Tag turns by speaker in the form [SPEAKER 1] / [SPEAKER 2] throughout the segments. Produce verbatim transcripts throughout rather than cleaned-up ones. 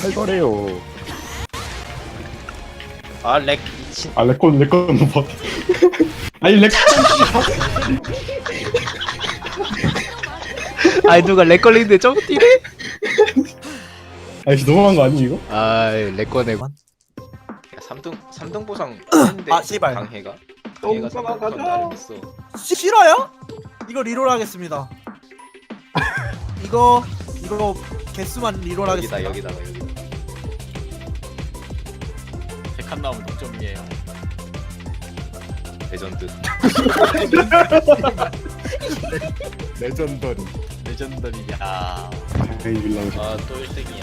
[SPEAKER 1] 살벌해요.
[SPEAKER 2] 아 렉 미친.
[SPEAKER 3] 아 렉건 렉건 못 버텨. 아니 렉건
[SPEAKER 1] 아이 누가 렉 걸리는데 좀 뛰래?
[SPEAKER 3] 아니 너무한 거 아니 이거?
[SPEAKER 1] 아이 렉 꺼내고.
[SPEAKER 2] 야, 삼등 삼등 보상 했는데
[SPEAKER 4] 아, 씨발.
[SPEAKER 2] 강해가 강해가 삼등 보상 나름했어.
[SPEAKER 4] 시- 싫어요? 이거 리롤 하겠습니다. 이거 이거 개수만 리롤
[SPEAKER 2] 여기다
[SPEAKER 4] 하겠습니다.
[SPEAKER 2] 여기다가 여기다.
[SPEAKER 5] 백한 나오면 동점이에요.
[SPEAKER 2] 레전드.
[SPEAKER 1] 레전더리.
[SPEAKER 5] 레전더리야.
[SPEAKER 3] 에이 빌랑.
[SPEAKER 2] 아또 일 등이야.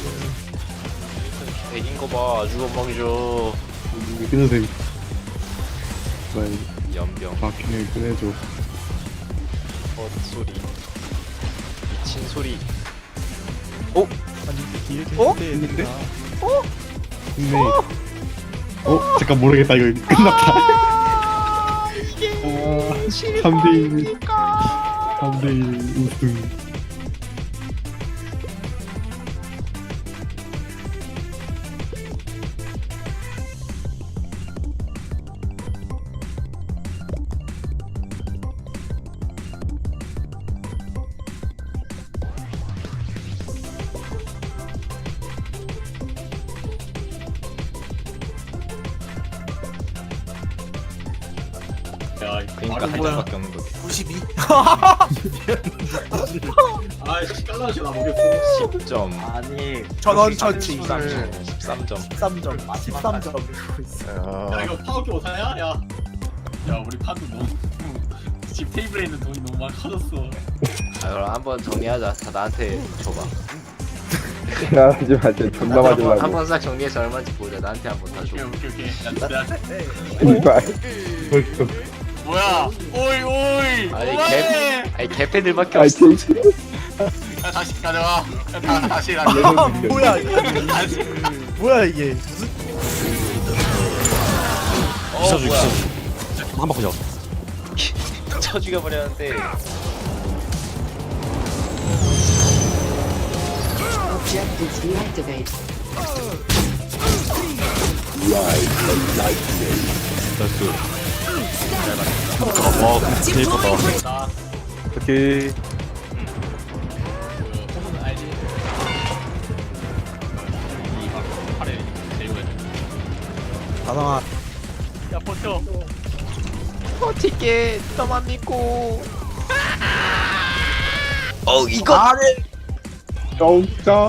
[SPEAKER 2] 백인 거 봐. 아주 건방이죠.
[SPEAKER 3] 끊으세요. 빨리
[SPEAKER 2] 연병.
[SPEAKER 3] 바퀴를 꺼내줘.
[SPEAKER 2] 헛소리. 미친 소리.
[SPEAKER 4] 어?
[SPEAKER 3] 했는데? 어? 근데 어? 잠깐 모르겠다 이거 끝났다. 이게 삼 대 일 삼 대 일 우승.
[SPEAKER 5] 야,
[SPEAKER 2] 그러니까 한
[SPEAKER 4] 뭐야?
[SPEAKER 2] 장밖에 없는 거지.
[SPEAKER 4] 구십이.
[SPEAKER 5] 아이씨 깔라시 나 모르겠어.
[SPEAKER 2] 십 점.
[SPEAKER 5] 아니.
[SPEAKER 4] 전원 처치.
[SPEAKER 2] 십삼 점. 십삼 점.
[SPEAKER 4] 십삼 점. 십삼 점.
[SPEAKER 5] 야 이거 파워키 못하냐? 야. 야 우리 판도 너무 집 테이블에 있는 돈이 너무 많이 커졌어.
[SPEAKER 2] 아, 그럼 한번 정리하자. 다 나한테 줘봐.
[SPEAKER 1] 하지 마, 진짜 존나 맞으려고.
[SPEAKER 2] 한번 싹 정리해서 얼마인지 보자. 나한테 한번 다 줘.
[SPEAKER 5] 오케이 오케이 오케이. 야 내가
[SPEAKER 1] 이발.
[SPEAKER 3] 벌써
[SPEAKER 5] 뭐야? 오이 오이.
[SPEAKER 2] 아니
[SPEAKER 5] 오마이!
[SPEAKER 2] 개 아니 개패들밖에
[SPEAKER 1] 아이
[SPEAKER 2] 없어.
[SPEAKER 5] 야 다시 가져와. 야, 다, 다시
[SPEAKER 4] 아,
[SPEAKER 5] 가져와.
[SPEAKER 4] 뭐야 이게?
[SPEAKER 5] 다시.
[SPEAKER 4] 뭐야 이게? 무슨
[SPEAKER 2] 어 뭐야?
[SPEAKER 1] 한 바퀴 잡았어.
[SPEAKER 2] 쳐 죽여버렸는데.
[SPEAKER 6] Objectives deactivate.
[SPEAKER 5] 나
[SPEAKER 1] 오케이.
[SPEAKER 5] 호분 알지? 이막 팔에 대고 해.
[SPEAKER 4] 다성아.
[SPEAKER 5] 야 버텨.
[SPEAKER 2] 어떻게 너만 믿고. 어 이거.
[SPEAKER 4] 아니.
[SPEAKER 3] 쩌짜.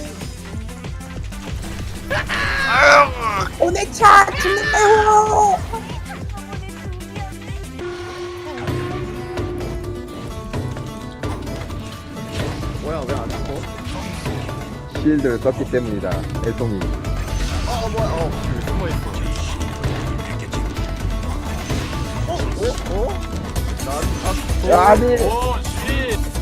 [SPEAKER 4] 오네차 죽는다요.
[SPEAKER 1] 실드를 썼기 때문이다. 애송이. 야, 아니.
[SPEAKER 5] 오 쉣.